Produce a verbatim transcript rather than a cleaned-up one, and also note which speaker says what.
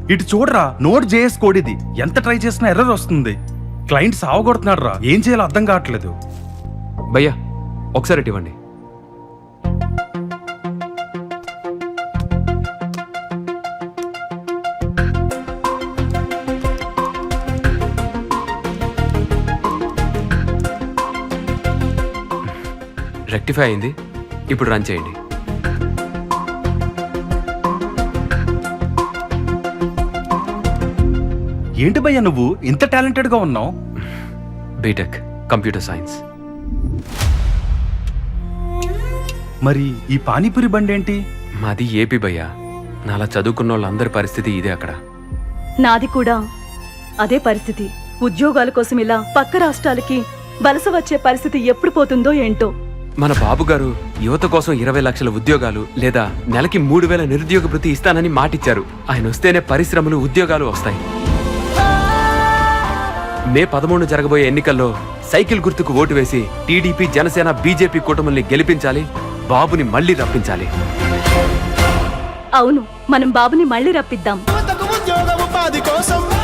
Speaker 1: ఇటు చూడరా, note JS code ఇది. ఎంత ట్రై చేసినా ఎర్రర్ వస్తుంది. క్లయింట్ సావగొడుతున్నాడు రా, ఏం చేయాలో అర్థం కావట్లేదు.
Speaker 2: భయ్యా ఒకసారి ఇటు ఇవ్వండి. రెక్టిఫై అయింది, ఇప్పుడు రన్ చేయండి.
Speaker 1: ఏంటి భయ్యా నువ్వు ఇంత టాలెంటెడ్ గా ఉన్నావు?
Speaker 2: BTech computer science.
Speaker 1: మరి ఈ పానీపూరి బండి ఏంటి?
Speaker 2: మాది ఏపీ భయ్యా. నాలా చదువుకున్న వాళ్ళందరి పరిస్థితి ఇదే అక్కడ.
Speaker 3: నాది కూడా అదే పరిస్థితి. ఉద్యోగాల కోసం ఇలా పక్క రాష్ట్రాలకి వలస వచ్చే పరిస్థితి ఎప్పుడు పోతుందో ఏంటో.
Speaker 2: మన బాబు గారు యువత కోసం ఇరవై లక్షల ఉద్యోగాలు లేదా నెలకి మూడు వేల నిరుద్యోగ భృతి ఇస్తానని మాటిచ్చారు. ఆయన వస్తేనే పరిశ్రమలు, ఉద్యోగాలు వస్తాయి. మే పదమూడు జరగబోయే ఎన్నికల్లో సైకిల్ గుర్తుకు ఓటు వేసి టీడీపీ, జనసేన, బీజేపీ కూటమిల్ని గెలిపించాలి. బాబుని మళ్లీ రప్పించాలి.
Speaker 3: అవును, మనం బాబుని మళ్లీ రప్పిద్దాం.
Speaker 4: ఉద్యోగ ఉపాధి కోసం